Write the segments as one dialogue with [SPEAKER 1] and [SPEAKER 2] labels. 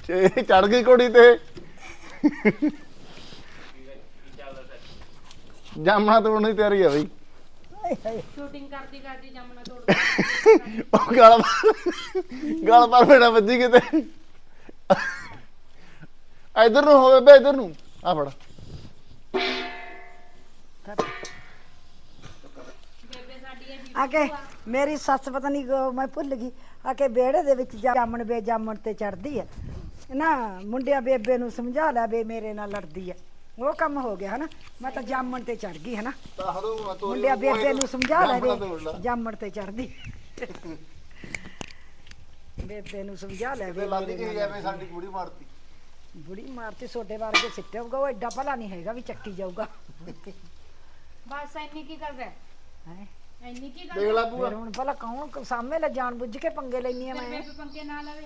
[SPEAKER 1] ਚੜ ਗਈ ਘੋੜੀ ਤੇ ਜਾਮਣਾ ਤੋੜਨ ਦੀ ਤਿਆਰੀ ਆ ਬਈ
[SPEAKER 2] ਸ਼ੂਟਿੰਗ ਕਰਦੀ ਕਰਦੀ ਜਾਮਣਾ ਤੋੜ
[SPEAKER 1] ਉਹ ਗਲ ਪਰ ਮੇਰਾ ਵੱਜੀ ਕਿਤੇ ਇਧਰ ਨੂੰ ਹੋਵੇ ਬੇ ਇਧਰ ਨੂੰ ਆ ਫੜ
[SPEAKER 2] ਬੇਬੇ ਸਾਡੀ ਇਹ
[SPEAKER 3] ਆਕੇ ਮੇਰੀ ਸੱਸ ਪਤਾ ਨਹੀਂ ਮੈਂ ਭੁੱਲ ਗਈ ਆਕੇ ਵਿਹੜੇ ਦੇ ਵਿੱਚ ਜਾਮਣ ਬੇਜਾਮਣ ਤੇ ਚੜਦੀ ਹੈ ਨਾ ਮੁੰਡਿਆਂ ਬੇਬੇ ਨੂੰ ਸਮਝਾ ਲੈ ਬੇ ਮੇਰੇ ਨਾਲ ਲੜਦੀ ਹੈ ਉਹ ਕੰਮ ਹੋ ਗਿਆ ਹਨਾ ਮੈਂ ਤਾਂ ਜਾਮਣ ਤੇ ਚੜ ਗਈ ਹਨਾ ਮੁੰਡਿਆਂ ਬੇਬੇ ਨੂੰ ਸਮਝਾ ਲੈ ਬੇ ਜਾਮਣ ਤੇ ਚੜਦੀ ਬੇਬੇ ਨੂੰ ਸਮਝਾ ਲੈ ਬੇ
[SPEAKER 1] ਸਾਡੀ ਕੁੜੀ ਮਾਰਤੀ
[SPEAKER 3] ਬੁੜੀ ਮਾਰਤੀ ਛੋਟੇ ਵਰਗੇ ਸਿੱਟੇ ਹੋਊਗਾ ਉਹ ਐਡਾ ਭਲਾ ਨਹੀਂ ਹੈਗਾ ਵੀ ਚੱਕੀ ਜਾਊਗਾ
[SPEAKER 2] ਬਸ ਇੰਨੀ ਕੀ ਕਰ ਰਿਹਾ
[SPEAKER 3] ਹੈ
[SPEAKER 2] ਇੰਨੀ ਕੀ ਕਰ
[SPEAKER 1] ਦੇਖ ਲੈ ਬੂਆ
[SPEAKER 3] ਫਿਰ ਹੁਣ ਭਲਾ ਕੌਣ ਸਾਹਮਣੇ ਲੈ ਜਾਣ ਬੁੱਝ ਕੇ ਪੰਗੇ ਲੈਣੀ ਆ ਮੈਂ
[SPEAKER 2] ਬੇਬੇ ਪੰਕੇ ਨਾ ਲਵੇ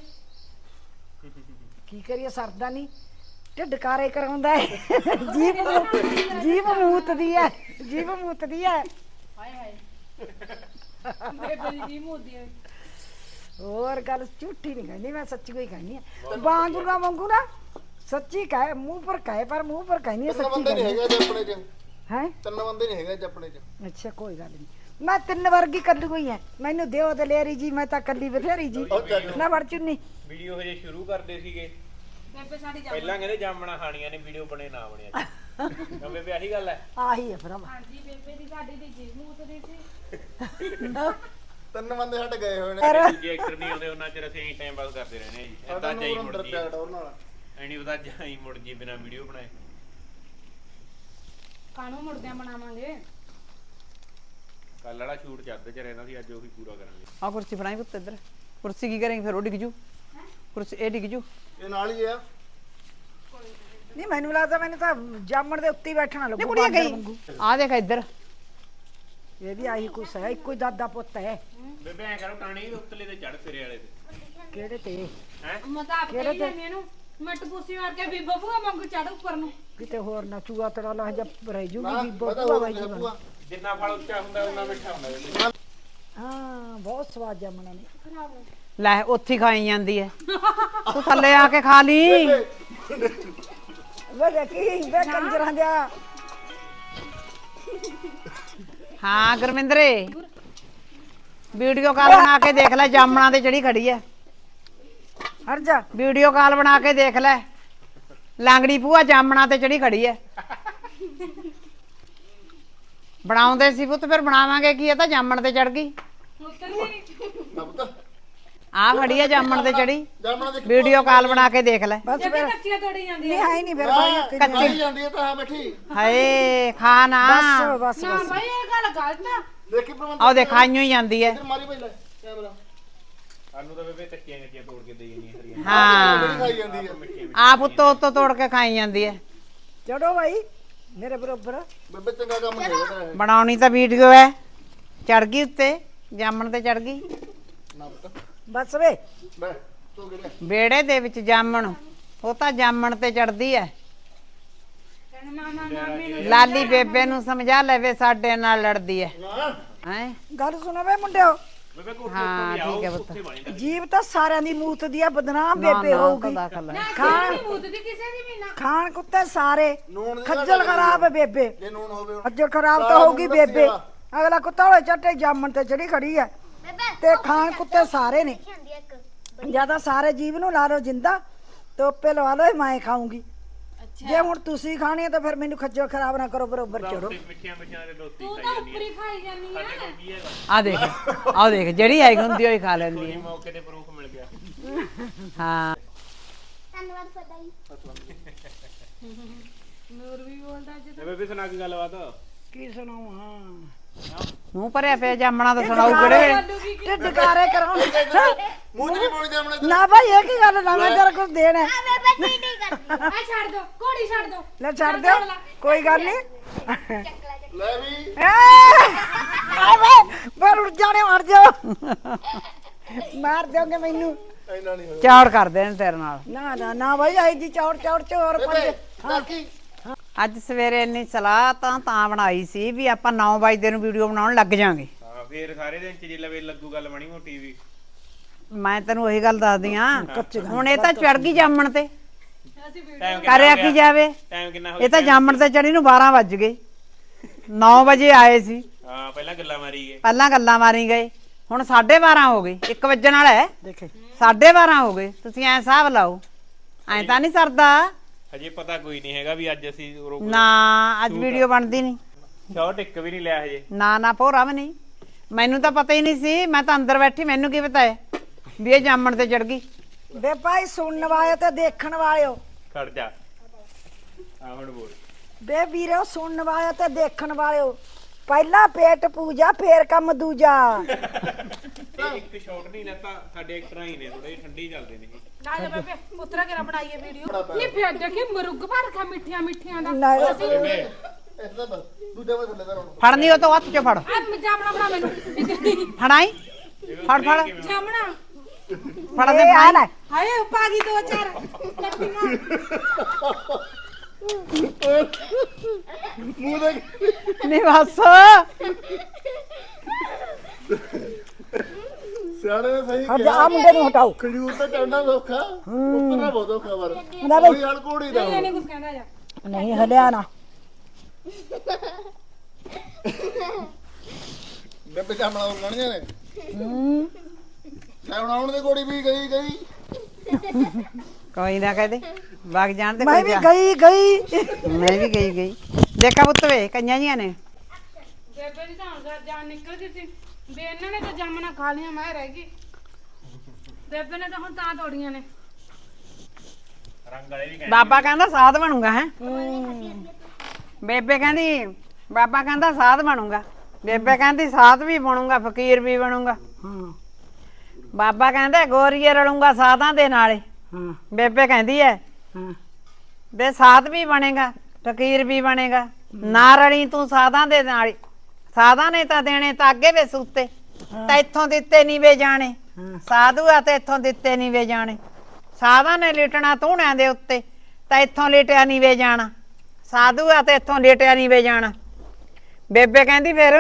[SPEAKER 3] ਕੀ ਕਰੀਏ ਸਰਦਾ ਨਹੀਂ ਢਿੱਡ ਕਾਰੇ ਕਰਾਉਂਦਾ ਹੈ ਜੀਭ ਮੂਤਦੀ ਹੈ ਜੀਭ ਮੂਤਦੀ ਹੈ
[SPEAKER 2] ਹਾਏ ਹਾਏ ਬੇਬੇ ਦੀ ਜੀ ਮੋਦੀ ਹੈ
[SPEAKER 3] ਹੋਰ ਗੱਲ ਝੂਠੀ ਨਹੀਂ ਕਹਿੰਦੀ ਮੈਂ ਸੱਚੀ ਕੋਈ ਕਹਿੰਦੀ ਆ ਬਾਂਗੂਗਾ ਵਾਂਗੂ ਨਾ ਸੱਚੀ ਕਹੇ ਮੂੰਹ ਪਰ ਕਹੇ ਪਰ ਮੂੰਹ ਪਰ ਕਹਿੰਦੀ ਆ
[SPEAKER 1] ਤਿੰਨ
[SPEAKER 3] ਸੱਚੀ
[SPEAKER 1] ਬੰਦੇ ਨਹੀਂ ਹੈਗੇ ਆਪਣੇ ਚ
[SPEAKER 3] ਹੈ
[SPEAKER 1] ਤਿੰਨ ਬੰਦੇ ਨਹੀਂ ਹੈਗੇ ਆਪਣੇ ਚ
[SPEAKER 3] ਅੱਛਾ ਕੋਈ ਗੱਲ ਨਹੀਂ ਮੈਂ ਤਿੰਨ ਵਰਗੀ ਕੱਢ ਗਈ ਐ ਮੈਨੂੰ ਦਿਓ ਦਲੇਰੀ ਜੀ ਮੈਂ ਤਾਂ ਕੱਲੀ ਬਥੇਰੀ ਜੀ ਨਾ ਵੜ ਚੁੰਨੀ
[SPEAKER 4] ਵੀਡੀਓ ਹਜੇ ਸ਼ੁਰੂ ਕਰਦੇ ਸੀਗੇ
[SPEAKER 2] ਬੇਬੇ ਸਾਡੀ
[SPEAKER 4] ਪਹਿਲਾਂ ਕਹਿੰਦੇ ਜਾਮਣਾ ਖਾਣੀਆਂ ਨੇ ਵੀਡੀਓ ਬਣੇ ਨਾ ਬਣਿਆ ਤਾਂ ਬੇਬੇ ਆਹੀ ਗੱਲ ਹੈ
[SPEAKER 3] ਆਹੀ ਹੈ ਭਰਾ
[SPEAKER 2] ਹਾਂਜੀ ਬੇਬੇ ਦੀ ਸਾਡੀ ਦੀ ਜੀ ਮੂਤਦੀ ਸੀ
[SPEAKER 1] ਤਿੰਨ ਬੰਦੇ ਸਾਡੇ ਗਏ ਹੋਏ ਨੇ
[SPEAKER 4] ਦੂਜੇ ਐਕਟਰ ਨਹੀਂ ਆਉਂਦੇ ਉਹਨਾਂ ਚਿਰ ਅਸੀਂ ਟਾਈਮ ਪਾਸ ਕਰਦੇ ਰਹਿੰਦੇ ਜੀ ਏਦਾਂ ਜਾਈ ਮੁੜ ਜੀ ਐਨੀ ਉਹਦਾ ਜਾਈ ਮੁੜ ਜੀ ਬਿਨਾ ਵੀਡੀਓ ਬਣਾਏ
[SPEAKER 2] ਕਾਹਨੂੰ ਮੁੜਦਿਆਂ ਬਣਾਵਾਂਗੇ
[SPEAKER 4] ਕੱਲ ਵਾਲਾ ਸ਼ੂਟ ਚੱਲਦੇ ਚ ਰਹਿੰਦਾ ਸੀ ਅੱਜ ਉਹੀ ਪੂਰਾ ਕਰਾਂਗੇ
[SPEAKER 5] ਆ ਕੁਰਸੀ ਫੜਾਈ ਪੁੱਤ ਇੱਧਰ ਕੁਰਸੀ ਕੀ ਕਰਾਂਗੇ ਫਿਰ ਉਹ ਡਿੱਗ ਜੂ ਕੁਰਸੀ ਇਹ ਡਿੱਗ ਜੂ
[SPEAKER 1] ਇਹ ਨਾਲ ਹੀ ਆ
[SPEAKER 3] ਨਹੀਂ ਮੈਨੂੰ ਲੱਗਦਾ ਮੈਨੂੰ ਤਾਂ ਜਾਮਣ ਦੇ ਉੱਤੇ ਹੀ ਬੈਠਣਾ
[SPEAKER 5] ਨਹੀਂ
[SPEAKER 3] ਲੱਗੂ
[SPEAKER 5] ਕੁੜੀਆਂ
[SPEAKER 3] ਬਾਂਦਰ
[SPEAKER 5] ਗਈ
[SPEAKER 3] ਵਾਂਗੂ।
[SPEAKER 5] ਆ ਦੇਖ ਇੱਧਰ
[SPEAKER 3] ਇਹ ਵੀ ਆਹੀ ਕੁਛ ਹੈ ਇੱਕੋ ਹੀ ਦਾਦਾ ਪੁੱਤ ਹੈ
[SPEAKER 4] ਬੇਬੇ ਐ ਕਰੋ ਟਾਣੀ ਦੇ ਉੱਤਲੇ ਤੇ ਚੜ ਤੇਰੇ ਵਾਲੇ ਤੇ
[SPEAKER 3] ਕਿਹੜੇ ਤੇ
[SPEAKER 4] ਹੈ
[SPEAKER 2] ਮਜ਼ਾਕ ਕਰੀ ਜਾਂਦੀ ਇਹਨੂੰ ਮੈਂ ਟਪੂਸੀ ਮਾਰ ਕੇ ਵੀ ਬੱਬੂਆ ਵਾਂਗੂ ਚੜ ਉੱਪਰ ਨੂੰ
[SPEAKER 3] ਕਿਤੇ ਹੋਰ ਨਾ ਚੂਆ ਤੜਾ ਲਾ ਜਾ ਰਹਿ ਜੂਗੀ ਵੀ
[SPEAKER 1] ਪਤਾ
[SPEAKER 3] ਬੋਤੂਆ
[SPEAKER 1] ਹੋ
[SPEAKER 3] ਬਾਈ
[SPEAKER 1] ਗਿਆ
[SPEAKER 3] ਜੀ
[SPEAKER 1] ਬੂਆ
[SPEAKER 4] ਜਿੰਨਾ ਫਲ ਉੱਚਾ ਹੁੰਦਾ ਉਹਨਾਂ ਮਿੱਠਾ ਹੁੰਦਾ ਬੇਬੇ
[SPEAKER 3] ਹਾਂ ਬਹੁਤ ਸਵਾਦ ਜਾਮਣਾ ਨੇ
[SPEAKER 5] ਲੈ ਉੱਥੇ ਹੀ ਖਾਈ ਜਾਂਦੀ ਐ ਤੂੰ ਥੱਲੇ ਆ ਕੇ ਖਾ ਲਈ
[SPEAKER 3] ਵੇ ਕੀ ਵੇ ਕੰਜਰਾਂ ਦਾ
[SPEAKER 5] ਹਾਂ ਗੁਰਮਿੰਦਰੇ ਵੀਡੀਓ ਕਾਲ ਬਣਾ ਕੇ ਦੇਖ ਲੈ ਜਾਮਣਾ ਤੇ ਜਿਹੜੀ ਖੜੀ ਐ
[SPEAKER 3] ਹਟ ਜਾ
[SPEAKER 5] ਵੀਡੀਓ ਕਾਲ ਬਣਾ ਕੇ ਦੇਖ ਲੈ ਲਾਂਗੜੀ ਭੂਆ ਜਾਮਣਾ ਤੇ ਚੜੀ ਖੜੀ ਐ ਬਣਾਉਂਦੇ ਸੀ ਪੁੱਤ ਫਿਰ ਬਣਾਵਾਂਗੇ ਕੀ ਇਹ ਤਾਂ ਜਾਮਣ ਤੇ ਚੜ ਗਈ ਆ ਖੜੀ ਐ ਜਾਮਣ ਤੇ ਚੜੀ
[SPEAKER 1] ਜਾਮਣਾ ਦੇ
[SPEAKER 5] ਵੀਡੀਓ ਕਾਲ ਬਣਾ ਕੇ ਦੇਖ ਲੈ
[SPEAKER 3] ਬਸ
[SPEAKER 2] ਜੇ
[SPEAKER 3] ਫਿਰ
[SPEAKER 2] ਕੱਚੀਆਂ ਤੋੜੀ ਜਾਂਦੀ
[SPEAKER 3] ਨਹੀਂ
[SPEAKER 2] ਹੈ
[SPEAKER 3] ਹੈ ਨਹੀਂ ਫਿਰ ਬਾਈ
[SPEAKER 1] ਕੱਚੀ ਜਾਂਦੀ ਹੈ ਤਾਂ ਆ ਬੈਠੀ
[SPEAKER 5] ਹਾਏ ਖਾ ਨਾ
[SPEAKER 3] ਬਸ ਬਸ
[SPEAKER 2] ਨਾ ਭਾਈ ਇਹ ਗੱਲ ਗਲਤ ਆ
[SPEAKER 1] ਦੇਖੀ ਪ੍ਰਬੰਧ
[SPEAKER 5] ਆਹ ਦੇਖ ਖਾਈਓ ਹੀ ਜਾਂਦੀ ਐ
[SPEAKER 1] ਇੱਧਰ ਮਾਰੀ ਪਹਿਲਾਂ ਕੈਮਰਾ
[SPEAKER 4] ਸਾਨੂੰ ਤਾਂ ਬੇਬੇ ਕੱਚੀਆਂ ਕੱਚੀਆਂ ਤੋੜ ਕੇ ਦੇਈ ਜਾਂਦੀਆਂ ਹਰੀਆਂ
[SPEAKER 5] ਹਾਂ
[SPEAKER 1] ਖਾਈ ਜਾਂਦੀ ਹੈ
[SPEAKER 5] ਆਪ ਉੱਤੋਂ ਤੋੜ ਕੇ ਖਾਈ ਜਾਂਦੀ ਐ
[SPEAKER 3] ਚੜੋ ਬਾਈ ਮੇਰੇ ਬਰੋਬਰ
[SPEAKER 1] ਬੇਬੇ ਚੰਗਾ ਕੰਮ ਨਹੀਂ ਹੈਗਾ ਤਾਂ ਇਹ।
[SPEAKER 5] ਬਣਾਉਣੀ ਤਾਂ ਵੀਡੀਓ ਐ ਚੜ ਗਈ ਉੱਤੇ ਜਾਮਣ ਤੇ ਚੜ ਗਈ
[SPEAKER 1] ਨਾ ਪੁੱਤ
[SPEAKER 3] ਬਸ ਵੇ
[SPEAKER 1] ਬੈ ਤੂੰ ਕਿਹੜੇ
[SPEAKER 5] ਵਿਹੜੇ ਦੇ ਵਿੱਚ ਜਾਮਣ ਉਹ ਤਾਂ ਜਾਮਣ ਤੇ ਚੜਦੀ ਐ
[SPEAKER 2] ਕਹਿੰਦਾ ਨਾ ਨਾ ਨਾ ਮੈਨੂੰ
[SPEAKER 5] ਲਾਲੀ ਬੇਬੇ ਨੂੰ ਸਮਝਾ ਲੈਵੇ ਸਾਡੇ ਨਾਲ ਲੜਦੀ ਐ
[SPEAKER 1] ਨਾ
[SPEAKER 5] ਹੈ
[SPEAKER 3] ਗੱਲ ਸੁਣੋ ਵੇ ਮੁੰਡਿਓ
[SPEAKER 4] ਬੇਬੇ ਕੋਠੇ
[SPEAKER 5] ਹਾਂ,
[SPEAKER 4] ਉੱਤੇ ਵੀ ਆਓ
[SPEAKER 5] ਠੀਕ ਹੈ ਪੁੱਤ।
[SPEAKER 4] ਉੱਥੇ ਬਣੀ ਤਾਂ
[SPEAKER 3] ਜੀਵ ਤਾਂ ਸਾਰਿਆਂ ਦੀ ਮੂਤ ਦੀ ਆ ਬਦਨਾਮ ਬੇਬੇ ਹੋਊਗੀ
[SPEAKER 2] ਖਾਣ ਮੂਤਦੀ ਕਿਸੇ ਦੀ ਵੀ ਨਾ
[SPEAKER 3] ਖਾਣ ਕੁੱਤੇ ਸਾਰੇ
[SPEAKER 1] ਨੂਣ ਦੀ
[SPEAKER 3] ਖੱਜਲ ਖਰਾਬ ਹੈ ਬੇਬੇ
[SPEAKER 1] ਜੇ ਨੂਣ ਹੋਵੇ ਹੁਣ।
[SPEAKER 3] ਖੱਜਲ ਖਰਾਬ ਤਾਂ
[SPEAKER 1] ਕਾਲਾ
[SPEAKER 3] ਹੋਊਗੀ
[SPEAKER 1] ਨੂਣ
[SPEAKER 3] ਬੇਬੇ
[SPEAKER 1] ਦੱਸਿਆ।
[SPEAKER 3] ਅਗਲਾ ਕੁੱਤਾ ਹੋਏ ਚੱਟੇ ਜਾਮਣ ਤੇ ਚੜੀ ਖੜੀ ਹੈ ਤੇ ਖਾਣ ਕੁੱਤੇ ਸਾਰੇ ਨੇ ਜਿਆਦਾ ਸਾਰੇ ਜੀਵ ਨੂੰ ਲਾ ਲਓ ਜਿੰਦਾ ਤੋਪੇ ਲਵਾ ਲਓ ਮੈਂ ਖਾਊਂਗੀ ਜੇ ਹੁਣ ਤੁਸੀਂ ਖਾਣੀ ਹੈ ਤਾਂ ਫਿਰ ਮੈਨੂੰ ਖੱਜਲ ਖਰਾਬ ਨਾ ਕਰੋ ਬਰੋਬਰ ਚੜੋ
[SPEAKER 4] ਮਿੱਠੀਆਂ ਮਿੱਠੀਆਂ ਦੇ ਲੋਤੀ
[SPEAKER 2] ਤੂੰ ਤਾਂ ਉੱਪਰ ਹੀ ਖਾਈ ਜਾਂਦੀ ਆ
[SPEAKER 4] ਸਾਡੇ ਕੋਲ ਕੀ ਹੈਗਾ
[SPEAKER 5] ਆ ਦੇਖ ਜਿਹੜੀ ਆਈ ਹੁੰਦੀ ਹੋਈ ਖਾ ਲੈਂਦੀ
[SPEAKER 4] ਕੋਈ
[SPEAKER 5] ਐ
[SPEAKER 4] ਮੌਕੇ ਤੇ ਪ੍ਰੂਫ ਮਿਲ ਗਿਆ
[SPEAKER 5] ਹਾਂ
[SPEAKER 2] ਨੂਰ ਵੀ ਬੋਲਦਾ ਅੱਜ
[SPEAKER 4] ਤੇ ਬੇਬੇ ਸੁਣਾ ਕੀ ਗੱਲਬਾਤ
[SPEAKER 3] ਕੀ ਸੁਣਾਵਾਂ
[SPEAKER 5] ਮੂੰਹ ਭਰਿਆ ਪਿਆ ਜਾਮਣਾ ਤਾਂ ਸੁਣਾਉ ਕਿਹੜੇ
[SPEAKER 3] ਢਿੱਡ ਕਾਰੇ ਕਰਾਉਂ
[SPEAKER 1] ਮੂੰਹ ਚ ਨਹੀਂ ਬੋਲੀ ਜਾਮਣਾ
[SPEAKER 3] ਨਾ ਭਾਈ ਇਹ ਕੀ ਗੱਲ ਨਾ ਮੈਂ ਤੇਰਾ ਕੁਝ ਦੇਣਾ ਹੈ।
[SPEAKER 2] ਆ ਛੱਡ ਦੋ ਘੋੜੀ ਛੱਡ ਦੋ
[SPEAKER 3] ਲੈ ਛੱਡ ਦਿਓ ਕੋਈ ਗੱਲ ਨਹੀਂ
[SPEAKER 1] ਲੈ ਵੀ
[SPEAKER 3] ਪਰ ਉੱਡ ਜਾਣੇ ਮਰ ਜਾਓ ਮਾਰ ਦਿਓਗੇ ਮੈਨੂੰ
[SPEAKER 1] ਇੰਨਾ ਨਹੀਂ ਹੋਇਆ
[SPEAKER 5] ਚੌੜ ਕਰਦੇ ਨੇ ਤੇਰੇ ਨਾਲ
[SPEAKER 3] ਨਾ ਨਾ ਨਾ ਭਾਈ ਆਈ ਜੀ ਚੌੜ ਚੌੜ ਚ ਹੋਰ
[SPEAKER 1] ਬੇਬੇ
[SPEAKER 3] ਪੰਜ
[SPEAKER 1] ਕਾਕੀ
[SPEAKER 5] ਅੱਜ ਸਵੇਰੇ ਇੰਨੀ ਸਲਾਹ ਤਾਂ ਬਣਾਈ ਸੀ ਵੀ ਆਪਾਂ 9 ਵਜੇ ਨੂੰ ਵੀਡੀਓ ਬਣਾਉਣ ਲੱਗ ਜਾਾਂਗੇ
[SPEAKER 4] ਹਾਂ ਫੇਰ ਸਾਰੇ ਦਿਨ ਚ ਜੇ ਲਵੇ ਲੱਗੂ ਗੱਲ ਬਣੀ ਮੋਟੀ ਵੀ
[SPEAKER 5] ਮੈਂ ਤੈਨੂੰ ਉਹੀ ਗੱਲ ਦੱਸਦੀ ਆ ਹੁਣ ਇਹ ਤਾਂ ਚੜ ਗਈ ਜਾਮਣ ਤੇ
[SPEAKER 2] ਅਸੀਂ ਵੀਡੀਓ
[SPEAKER 4] ਟਾਈਮ
[SPEAKER 5] ਕਰਿਆ ਕੀ ਜਾਵੇ
[SPEAKER 4] ਟਾਈਮ ਕਿੰਨਾ ਹੋ
[SPEAKER 5] ਇਹ ਤਾਂ ਜਾਮਣ ਤੇ ਚੜੀ ਨੂੰ 12 ਵੱਜ ਗਏ 9 ਵਜੇ ਆਏ ਸੀ
[SPEAKER 4] ਹਾਂ ਪਹਿਲਾਂ ਗੱਲਾਂ ਮਾਰੀ ਗਏ
[SPEAKER 5] ਪਹਿਲਾਂ ਗੱਲਾਂ ਮਾਰੀ ਗਏ ਹੁਣ 12:30 ਹੋ ਗਏ 1 ਵੱਜਣ ਵਾਲਾ ਹੈ
[SPEAKER 3] ਦੇਖੇ
[SPEAKER 5] 12:30 ਹੋ ਗਏ ਤੁਸੀਂ ਐ ਹਿਸਾਬ ਲਾਓ ਐ ਤਾਂ ਨਹੀਂ ਸਰਦਾ
[SPEAKER 4] ਹਜੇ ਪਤਾ ਕੋਈ ਨਹੀਂ ਹੈਗਾ ਵੀ ਅੱਜ ਅਸੀਂ
[SPEAKER 5] ਨਾ ਅੱਜ ਵੀਡੀਓ ਬਣਦੀ ਨਹੀਂ
[SPEAKER 4] ਸ਼ਾਰਟ ਇੱਕ ਵੀ ਨਹੀਂ ਲਿਆ ਹਜੇ
[SPEAKER 5] ਨਾ ਭੋਰਾ ਵੀ ਨਹੀਂ ਮੈਨੂੰ ਤਾਂ ਪਤਾ ਹੀ ਨਹੀਂ ਸੀ ਮੈਂ ਤਾਂ ਅੰਦਰ ਬੈਠੀ ਮੈਨੂੰ ਕੀ ਪਤਾ ਹੈ ਵੀ ਇਹ ਜਾਮਣ ਤੇ ਚੜ ਗਈ
[SPEAKER 3] ਵੇ ਭਾਈ ਸੁਣਨ ਵਾਲੇ ਤੇ ਦੇਖਣ ਵਾਲਿਓ
[SPEAKER 4] ਖੜ ਜਾ ਆ ਹੁਣ ਬੋਲ
[SPEAKER 3] ਵੇ ਵੀਰੋ ਸੁਣਨ ਵਾਲੇ ਤੇ ਦੇਖਣ ਵਾਲਿਓ ਪਹਿਲਾ ਪੇਟ ਪੂਜਾ ਫੇਰ ਕੰਮ ਦੂਜਾ
[SPEAKER 4] ਇਹ ਇੱਕ ਸ਼ਾਰਟ ਨਹੀਂ ਲੈਤਾ ਸਾਡੇ ਐਕਟਰਾਂ ਹੀ ਨੇ ਥੋੜੇ ਠੰਡੀ ਚੱਲਦੇ ਨੇ
[SPEAKER 2] ਨਾ ਜਾ ਬੇਬੇ ਪੁੱਤਰਾ ਕਿਹੜਾ ਬਣਾਈਏ ਵੀਡੀਓ ਨਹੀਂ ਫੇਰ ਦੇਖੀ ਮੁਰਗ ਭਰ ਖਾ ਮਿੱਠੀਆਂ ਦਾ
[SPEAKER 3] ਨਾ
[SPEAKER 1] ਇੱਥੇ ਤਾਂ ਦੂਜਾ ਵੇ ਥੱਲੇ ਦਾ ਰੋਣ
[SPEAKER 5] ਫੜਨੀ ਉਹ ਤੋਂ ਹੱਥ ਚ ਫੜ
[SPEAKER 2] ਆ ਜਾਮਣਾ ਬਣਾ ਮੈਨੂੰ
[SPEAKER 5] ਫੜਾਈ ਫੜ
[SPEAKER 2] ਜਾਮਣਾ
[SPEAKER 5] ਫੜ ਦੇ
[SPEAKER 3] ਇਹ ਆ ਲੈ
[SPEAKER 2] ਹਾਏ ਪਾ ਗਈ 2-4 ਕੱਟੀਆਂ
[SPEAKER 1] ਮੂੰਹ ਦੇਖ
[SPEAKER 5] ਨਹੀਂ ਬਸ
[SPEAKER 1] ਸਿਆਣੇ ਨੇ ਸਹੀ
[SPEAKER 3] ਹਟ ਜਾ ਆ ਮੁੰਡੇ ਨੂੰ ਹਟਾਓ
[SPEAKER 1] ਖਜੂਰ ਤਾਂ ਚੜਨਾ ਸੌਖਾ ਉੱਤਰਨਾ ਬਹੁਤ ਔਖਾ ਵਰ
[SPEAKER 3] ਹੁੰਦਾ ਬਈ।
[SPEAKER 1] ਕੋਈ ਹਲ ਕੋੜੀ ਦਾ
[SPEAKER 2] ਇਹ ਨਹੀਂ ਕੁਝ ਕਹਿੰਦਾ ਜਾ
[SPEAKER 3] ਨਹੀਂ ਹਲਿਆ ਨਾ
[SPEAKER 1] ਬੇਬੇ ਜਾਮਣਾ ਉਗਣੀਆਂ ਨੇ ਲੈ ਹੁਣ ਆਉਣ ਦੇ ਕੋੜੀ ਵੀ ਗਈ
[SPEAKER 5] ਕੋਈ ਨਾ ਕਹਦੇ ਵਗ ਜਾਣ ਤੇ
[SPEAKER 3] ਮੈਂ
[SPEAKER 5] ਕੋਈ
[SPEAKER 3] ਵੀ
[SPEAKER 5] ਜਾ
[SPEAKER 3] ਗਈ
[SPEAKER 5] ਮੈਂ ਵੀ ਗਈ ਦੇਖਾ ਪੁੱਤ ਵੇ ਕਈਆਂ ਜੀਆਂ ਨੇ
[SPEAKER 2] ਬੇਬੇ ਦੀ ਤਾਂ ਜਾਨ ਨਿਕਲ ਗਈ ਸੀ ਵੀ ਇਹਨਾਂ ਨੇ ਤਾਂ ਜਾਮਣਾ ਖਾ ਲਿਆ ਮੈਂ ਰਹਿ ਗਈ ਬੇਬੇ ਨੇ ਤਾਂ ਹੁਣ ਤਾਂ ਤੋੜੀਆਂ ਨੇ
[SPEAKER 4] ਰੰਗ ਵਾਲੇ ਵੀ ਕਹਿੰਦੇ
[SPEAKER 5] ਬਾਬਾ ਕਹਿੰਦਾ ਸਾਧ ਬਣੂਗਾ ਹੈ ਬੇਬੇ ਕਹਿੰਦੀ ਬਾਬਾ ਕਹਿੰਦਾ ਸਾਧ ਬਣੂਗਾ ਬੇਬੇ ਕਹਿੰਦੀ ਸਾਧ ਵੀ ਬਣੂਗਾ ਫਕੀਰ ਵੀ ਬਣੂਗਾ
[SPEAKER 3] ਹਾਂ
[SPEAKER 5] ਬਾਬਾ ਕਹਿੰਦਾ ਗੋਰੀਏ ਰਲੂੰਗਾ ਸਾਧਾਂ ਦੇ ਨਾਲੇ
[SPEAKER 3] ਹਾਂ
[SPEAKER 5] ਬੇਬੇ ਕਹਿੰਦੀ ਐ
[SPEAKER 3] ਹਾਂ
[SPEAKER 5] ਦੇ ਸਾਧ ਵੀ ਬਣੇਗਾ ਫਕੀਰ ਵੀ ਬਣੇਗਾ ਨਾ ਰਲੀ ਤੂੰ ਸਾਧਾਂ ਦੇ ਨਾਲ ਸਾਧਾਂ ਨੇ ਤਾਂ ਦੇਣੇ ਤਾਂ ਅੱਗੇ ਵੇ ਸੂਤੇ ਤਾਂ ਇੱਥੋਂ ਦਿੱਤੇ ਨਹੀਂ ਵੇ ਜਾਣੇ
[SPEAKER 3] ਹਾਂ।
[SPEAKER 5] ਸਾਧੂ ਆ ਤੇ ਇੱਥੋਂ ਦਿੱਤੇ ਨਹੀਂ ਵੇ ਜਾਣੇ ਸਾਧਾਂ ਨੇ ਲਿਟਣਾ ਧੂਣਿਆਂ ਦੇ ਉੱਤੇ ਤਾਂ ਇੱਥੋਂ ਲਿਟਿਆ ਨਹੀਂ ਵੇ ਜਾਣਾ ਸਾਧੂ ਆ ਤੇ ਇੱਥੋਂ ਲਿਟਿਆ ਨਹੀਂ ਵੇ ਜਾਣਾ ਬੇਬੇ ਕਹਿੰਦੀ ਫਿਰ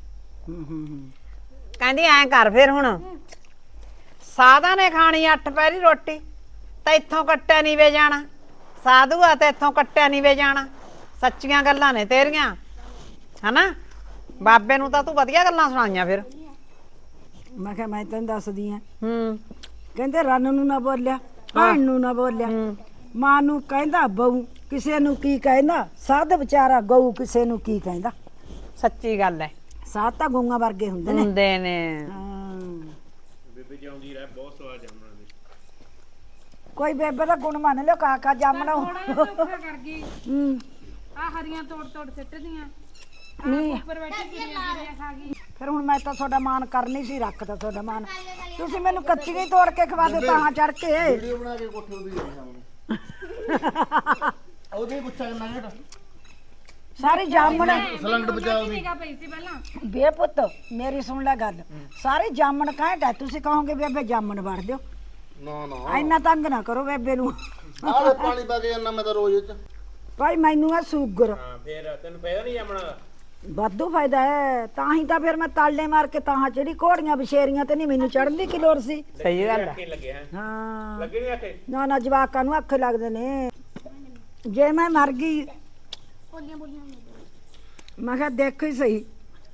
[SPEAKER 5] ਕਹਿੰਦੀ ਐਂ ਕਰ ਫਿਰ ਹੁਣ ਸਾਧਾਂ ਨੇ ਖਾਣੀ 8 ਪਹਿਰੀ ਰੋਟੀ ਤਾਂ ਇੱਥੋਂ ਕੱਟਿਆ ਨਹੀਂ ਵੇ ਜਾਣਾ ਸਾਧੂ ਆ ਤੇ ਇੱਥੋਂ ਕੱਟਿਆ ਨਹੀਂ ਵੇ ਜਾਣਾ ਸੱਚੀਆਂ ਗੱਲਾਂ ਨੇ ਤੇਰੀਆਂ ਹਨਾ ਬਾਬੇ ਨੂੰ ਤਾਂ ਤੂੰ ਵਧੀਆ ਗੱਲਾਂ ਸੁਣਾਈਆਂ ਫਿਰ
[SPEAKER 3] ਮੈਂ ਕਿਹਾ ਮੈਂ ਤੈਨੂੰ ਦੱਸਦੀ ਆ
[SPEAKER 5] ਹੂੰ
[SPEAKER 3] ਕਹਿੰਦੇ ਰਨ ਨੂੰ ਨਾ ਬੋਲਿਆ ਭੈਣ ਨੂੰ ਨਾ ਬੋਲਿਆ ਮਾਂ ਨੂੰ ਕਹਿੰਦਾ ਬਹੂ ਕਿਸੇ ਨੂੰ ਕੀ ਕਹਿੰਦਾ ਸਾਧ ਵਿਚਾਰਾ ਗਊ ਕਿਸੇ ਨੂੰ ਕੀ ਕਹਿੰਦਾ
[SPEAKER 5] ਸੱਚੀ ਗੱਲ ਹੈ
[SPEAKER 3] ਸਾਧ ਤਾਂ ਗਊਆਂ ਵਰਗੇ ਹੁੰਦੇ ਨੇ
[SPEAKER 5] ਹੁੰਦੇ ਨੇ
[SPEAKER 3] ਹਾਂ
[SPEAKER 4] ਬੇਬੇ ਜਿਉਂਦੀ ਰਹਿ ਬਹੁਤ ਸਵਾਦ ਜਾਮਣਾ ਦੇ
[SPEAKER 3] ਕੋਈ ਬੇਬੇ ਦਾ ਗੁਣ ਮੰਨ ਲਿਓ ਕਾਕਾ ਜਾਮਣਾ
[SPEAKER 2] ਥੋੜਾ ਜਿਹਾ ਧੋਖਾ ਕਰ ਗਈ
[SPEAKER 3] ਹੂੰ
[SPEAKER 2] ਆ ਹਰੀਆਂ ਤੋੜ ਸਿੱਟਦੀਆਂ
[SPEAKER 3] ਨਹੀਂ
[SPEAKER 2] ਉੱਪਰ ਬੈਠੀ ਕੁੜੀਆਂ ਖਾ ਗਈ
[SPEAKER 3] ਫਿਰ ਹੁਣ ਮੈਂ ਤਾਂ ਤੁਹਾਡਾ ਮਾਨ ਕਰਨੀ ਸੀ ਰੱਖਦਾ ਤੁਹਾਡਾ ਮਾਨ ਤੁਸੀਂ ਮੈਨੂੰ ਕੱਚੀ ਹੀ ਤੋੜ ਕੇ ਖਵਾ ਦਿਓ ਤਾਂ ਚੜ ਕੇ
[SPEAKER 1] ਵੀਡੀਓ ਬਣਾ ਕੇ ਕੋਠੇ ਉਦੀ ਜਾਣੀ ਉਹਦੇ ਪੁੱਛਾ ਕਿੰਨਾ ਘਟ
[SPEAKER 3] ਸਾਰੀ ਜਾਮਣ
[SPEAKER 1] ਸਲੰਗੜ ਬਚਾ ਉਹਦੀ
[SPEAKER 2] ਨਿਗਾ ਪਈ ਸੀ ਪਹਿਲਾਂ
[SPEAKER 3] ਬੇ ਪੁੱਤ ਮੇਰੀ ਸੁਣ ਲੈ ਗੱਲ ਸਾਰੀ ਜਾਮਣ ਘੈਂਟ ਹੈ ਤੁਸੀਂ ਕਹੋਗੇ ਬੇਬੇ ਜਾਮਣ ਵੜ ਦਿਓ
[SPEAKER 1] ਨਾ ਨਾ
[SPEAKER 3] ਇੰਨਾ ਤੰਗ ਨਾ ਕਰੋ ਬੇਬੇ ਨੂੰ
[SPEAKER 1] ਆਹ ਪਾਣੀ ਪਾ ਕੇ ਜਾਂਦਾ ਮੈਂ ਤਾਂ ਰੋਜ਼ ਚ
[SPEAKER 3] ਭਾਈ ਮੈਨੂੰ ਆ ਸ਼ੂਗਰ
[SPEAKER 4] ਹਾਂ ਫੇਰ ਤੈਨੂੰ ਫਾਇਦਾ ਨਹੀਂ ਜਾਮਣਾ ਦਾ
[SPEAKER 3] ਵਾਧੂ ਫਾਇਦਾ ਹੈ ਤਾਂ ਹੀ ਤਾਂ ਫਿਰ ਮੈਂ ਤਾਲੇ ਮਾਰ ਕੇ ਤਾਂ ਜਿਹੜੀ ਘੋੜੀਆਂ ਬਸ਼ੇਰੀਆਂ ਤੇ ਨਹੀਂ ਮੈਨੂੰ ਚੜਨ ਦੀ ਕੀ ਲੋੜ ਸੀ
[SPEAKER 5] ਸਹੀ ਗੱਲ ਹੈ
[SPEAKER 4] ਕੀ ਲੱਗੇ ਹੈ
[SPEAKER 3] ਹਾਂ
[SPEAKER 4] ਲੱਗੇ ਨਹੀਂ ਆਖੇ
[SPEAKER 3] ਨਾ ਨਾ ਜਵਾਕਾਂ ਨੂੰ ਅੱਖ ਲੱਗਦੇ ਨੇ ਜੇ ਮੈਂ ਮਰ ਗਈ ਮੈਂ ਕਿਹਾ ਦੇਖ ਹੀ ਸਹੀ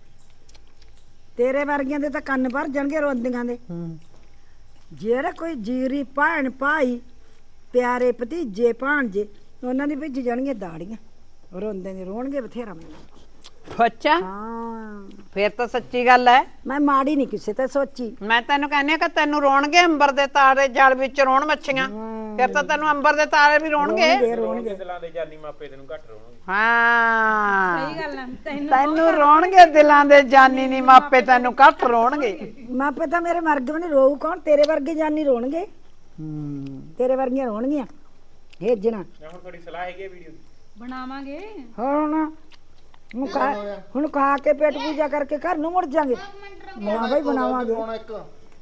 [SPEAKER 3] ਤੇਰੇ ਵਰਗੀਆਂ ਦੇ ਤਾਂ ਕੰਨ ਭਰ ਜਾਣਗੇ ਰੋਂਦੀਆਂ ਦੇ ਜਿਹੜੇ ਕੋਈ ਜੀਰੀ ਭੈਣ ਭਾਈ ਪਿਆਰੇ ਭਤੀਜੇ ਭਾਣਜੇ ਉਹਨਾਂ ਦੀ ਭਿੱਜ ਜਾਣਗੀਆਂ ਦਾੜੀਆਂ ਰੋਂਦੇ ਨੇ ਰੋਣਗੇ ਬਥੇਰਾ ਮੈਨੂੰ
[SPEAKER 5] ਅੱਛਾ
[SPEAKER 3] ਹਾਂ
[SPEAKER 5] ਫਿਰ ਤਾਂ ਸੱਚੀ ਗੱਲ ਹੈ
[SPEAKER 3] ਮੈਂ ਮਾੜੀ ਨਹੀਂ ਕਿਸੇ ਤੇ ਸੋਚੀ
[SPEAKER 5] ਮੈਂ ਤੈਨੂੰ ਕਹਿੰਦੀ ਆ ਕਿ ਤੈਨੂੰ ਰੋਣਗੇ ਅੰਬਰ ਦੇ ਤਾਰੇ ਜਲ ਵਿੱਚ ਰੋਣ ਮੱਛੀਆਂ ਫਿਰ ਤਾਂ ਤੈਨੂੰ ਅੰਬਰ ਦੇ ਤਾਰੇ ਵੀ ਰੋਣਗੇ
[SPEAKER 4] ਰੋਣਗੇ ਦਿਲਾਂ ਦੇ ਜਾਨੀ ਮਾਪੇ ਤੈਨੂੰ ਘੱਟ ਰੋਣਗੇ
[SPEAKER 5] ਹਾਂ
[SPEAKER 2] ਸਹੀ ਗੱਲ ਹੈ
[SPEAKER 5] ਤੈਨੂੰ ਰੋਣਗੇ ਦਿਲਾਂ ਦੇ ਜਾਨੀ ਨਹੀਂ ਮਾਪੇ ਤੈਨੂੰ ਘੱਟ ਰੋਣਗੇ
[SPEAKER 3] ਮਾਪੇ ਤਾਂ ਮੇਰੇ ਮਰਗ ਵੀ ਨਹੀਂ ਰੋਊ ਕੌਣ ਤੇਰੇ ਵਰਗੇ ਜਾਨੀ ਰੋਣਗੇ ਤੇਰੇ ਵਰਗੀਆਂ ਰੋਣਗੀਆਂ ਭੇਜਣਾ
[SPEAKER 4] ਹੁਣ ਥੋੜੀ ਸਲਾਹ ਹੈਗੀ ਵੀਡੀਓ ਦੀ
[SPEAKER 2] ਬਣਾਵਾਂਗੇ
[SPEAKER 3] ਹੁਣ ਖਾ ਕੇ ਪੇਟ ਪੂਜਾ ਕਰਕੇ ਘਰ ਨੂੰ ਮੁੜ ਜਾਾਂਗੇ ਨਾ ਭਾਈ ਬਣਾਵਾਂਗੇ
[SPEAKER 1] ਪਾਉਣਾ ਇੱਕ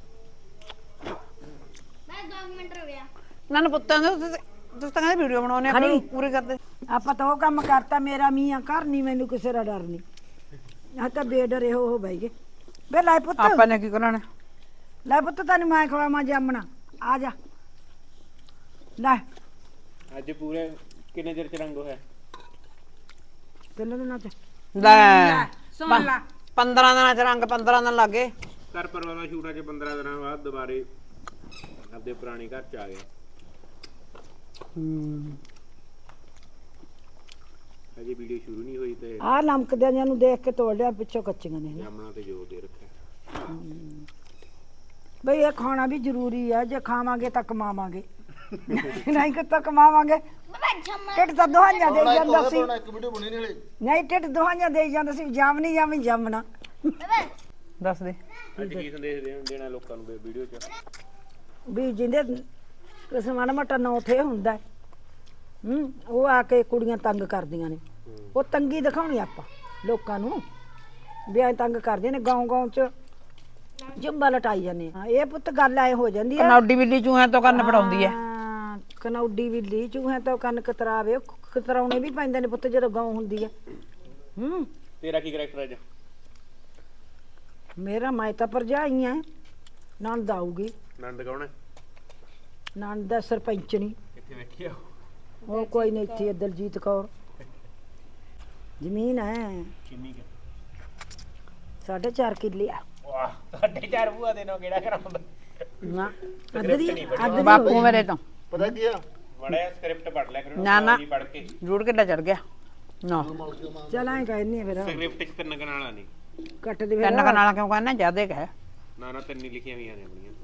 [SPEAKER 5] ਨਾ ਪੁੱਤਾਂ ਦੇ ਤੁਸੀਂ ਤਾਂ ਕਹਿੰਦੇ ਵੀਡੀਓ ਬਣਾਉਣੇ ਆ ਪੂਰੀ ਕਰਦੇ
[SPEAKER 3] ਆਪਾਂ ਤਾਂ ਉਹ ਕੰਮ ਕਰਤਾ ਮੇਰਾ ਮੀਆਂ ਘਰ ਨਹੀਂ ਮੈਨੂੰ ਕਿਸੇ ਦਾ ਡਰ ਨਹੀਂ ਆ ਤਾਂ ਬੇਡਰੇ ਹੋ ਬੈਗੇ ਬੇ ਲੈ ਪੁੱਤ
[SPEAKER 5] ਆਪਾਂ ਨੇ ਕੀ ਕਰਨਾ
[SPEAKER 3] ਲੈ ਪੁੱਤ ਤੈਨੂੰ ਮੈਂ ਖਵਾਵਾਂ ਜਾਮਣਾ ਆ ਜਾ ਲੈ
[SPEAKER 4] ਅੱਜ ਪੂਰੇ ਕਿੰਨੇ ਚਿਰ ਚ ਰੰਗ ਹੋਇਆ?
[SPEAKER 3] ਕਿੰਨੇ ਦਿਨਾਂ ਚ
[SPEAKER 5] ਲੈ
[SPEAKER 2] ਸੁਣ ਲਾ
[SPEAKER 5] 15 ਦਿਨਾਂ ਚ ਰੰਗ 15 ਦਿਨ ਲੱਗੇ।
[SPEAKER 4] ਘਰ ਪਰਿਵਾਰ ਦਾ ਸ਼ੂਟ ਅੱਜ 15 ਦਿਨਾਂ ਬਾਅਦ ਦੁਬਾਰੇ ਆਪਦੇ ਪੁਰਾਣੇ ਘਰ ਚ ਆ ਗਏ। ਅਜੇ ਵੀਡੀਓ ਸ਼ੁਰੂ ਨਹੀਂ ਹੋਈ ਤੇ
[SPEAKER 3] ਆਹ ਲਮਕਦਿਆਂ ਜਿਆਂ ਨੂੰ ਦੇਖ ਕੇ ਤੋੜ ਲਿਆ ਪਿੱਛੋਂ ਕੱਚੀਆਂ ਨੇ
[SPEAKER 4] ਜਾਮਣਾ ਤੇ ਜ਼ੋਰ ਦੇ ਰੱਖਿਆ।
[SPEAKER 3] ਬਈ ਇਹ ਖਾਣਾ ਵੀ ਜ਼ਰੂਰੀ ਆ ਜੇ ਖਾਵਾਂਗੇ ਤਾਂ ਕਮਾਵਾਂਗੇ ਨਹੀਂ ਕਿ ਤਾਂ ਕਮਾਵਾਂਗੇ ਢਿੱਡ ਤਾਂ ਦੁਹਾਈਆਂ ਦੇ ਜਾਂਦਾ ਸੀ
[SPEAKER 1] ਇੱਕ ਵੀਡੀਓ ਬਣੀ ਨਹੀਂ ਹਲੇ
[SPEAKER 3] ਨਹੀਂ ਢਿੱਡ ਦੁਹਾਈਆਂ ਦੇ ਜਾਂਦਾ ਸੀ ਜਾਮਨੀ ਜਾਮੀ ਜਾਮਣਾ
[SPEAKER 5] ਦੱਸ ਦੇ
[SPEAKER 4] ਅੱਜ ਕੀ ਸੰਦੇਸ਼ ਦੇਣਾ ਲੋਕਾਂ ਨੂੰ ਵੀਡੀਓ ਚ?
[SPEAKER 3] ਵੀ ਜਿੰਦੇ ਕਿਸੇ ਮਾੜਾ ਮੋਟਾ ਨੌ ਥੇ ਹੁੰਦਾ ਹੈ, ਉਹ ਆ ਕੇ ਕੁੜੀਆਂ ਤੰਗ ਕਰਦੀਆਂ ਨੇ ਉਹ ਤੰਗੀ ਦਿਖਾਉਣੀ ਆਪਾਂ ਲੋਕਾਂ ਨੂੰ ਵੀ ਐ ਤੰਗ ਕਰਦੀਆਂ ਨੇ ਗਾਉਂ ਚ ਜੰਬਾ ਲਟਾਈ ਜਾਂਦੇ ਆ ਇਹ ਪੁੱਤ ਗੱਲ ਐ ਹੋ ਜਾਂਦੀ ਆ
[SPEAKER 5] ਕਨੌਡੀ ਬਿੱਲੀ ਚੂਹਿਆਂ ਤੋਂ ਕੰਨ ਫੜਾਉਂਦੀ ਐ।
[SPEAKER 3] ਹਾਂ, ਕਨੌਡੀ ਬਿੱਲੀ ਚੂਹਿਆਂ ਤੋਂ ਕੰਨ ਕਤਰਾਵੇ ਕਤਰਾਉਣੇ ਵੀ ਪੈਂਦੇ ਨੇ ਪੁੱਤ ਜਦੋਂ ਗਾਉਂ ਹੁੰਦੀ ਆ
[SPEAKER 4] ਤੇਰਾ ਕੀ ਕਰੈਕਟਰ ਅੱਜ?
[SPEAKER 3] ਮੇਰਾ ਮੈਂ ਤਾਂ ਭਰਜਾਈ ਆ ਨਣਦ ਆਊਗੀ
[SPEAKER 4] ਨੰਦ ਕੌਣ ਹੈ?
[SPEAKER 3] ਨਣਦ ਦਾ ਸਰਪੰਚਣੀ
[SPEAKER 4] ਕਿੱਥੇ ਬੈਠੀ ਆ?
[SPEAKER 3] ਉਹ ਕੋਈ ਨਹੀਂ ਇੱਥੇ ਦਲਜੀਤ ਕੌਰ ਜ਼ਮੀਨ ਹੈ
[SPEAKER 4] ਕਿੰਨੀ ਕੁ?
[SPEAKER 3] 4.5 ਕਿੱਲੇ ਆ
[SPEAKER 4] ਵਾਹ, ਸਾਡੇ ਚਾਰ ਬੂਆ ਦੇ ਨਾਲ ਕਿਹੜਾ ਕਰਾਉਂਦਾ?
[SPEAKER 3] ਨਾ ਅੱਧੀ ਅੱਧੀ
[SPEAKER 5] ਬਾਪੂ ਮੇਰੇ ਤੋਂ
[SPEAKER 1] ਪਤਾ ਕੀ ਆ
[SPEAKER 4] ਬੜਾ ਸਕ੍ਰਿਪਟ ਪੜ ਲਿਆ ਕਰੋ
[SPEAKER 5] ਨਾ, ਨਾ।
[SPEAKER 4] ਜੀ ਪੜ ਕੇ।
[SPEAKER 5] ਜੂੜ ਕਿੱਡਾ ਚੜ ਗਿਆ ਨਾ
[SPEAKER 3] ਚਲ ਐਂ ਕਹਿੰਦੀ ਆ ਫਿਰ
[SPEAKER 4] ਸਕ੍ਰਿਪਟ ਚ ਤਿੰਨ ਕਨਾਲਾਂ ਨਹੀਂ,
[SPEAKER 3] ਕੱਟ ਦੇ
[SPEAKER 5] ਤਿੰਨ
[SPEAKER 3] ਫਿਰ
[SPEAKER 5] ਕਨਾਲਾਂ ਕਿਉਂ ਕਹਿੰਦਾ ਜਿਆਦੇ ਕਹਿ
[SPEAKER 4] ਨਾ ਤਿੰਨ ਹੀ ਲਿਖੀਆਂ ਹੋਈਆਂ ਨੇ ਆਪਣੀਆਂ।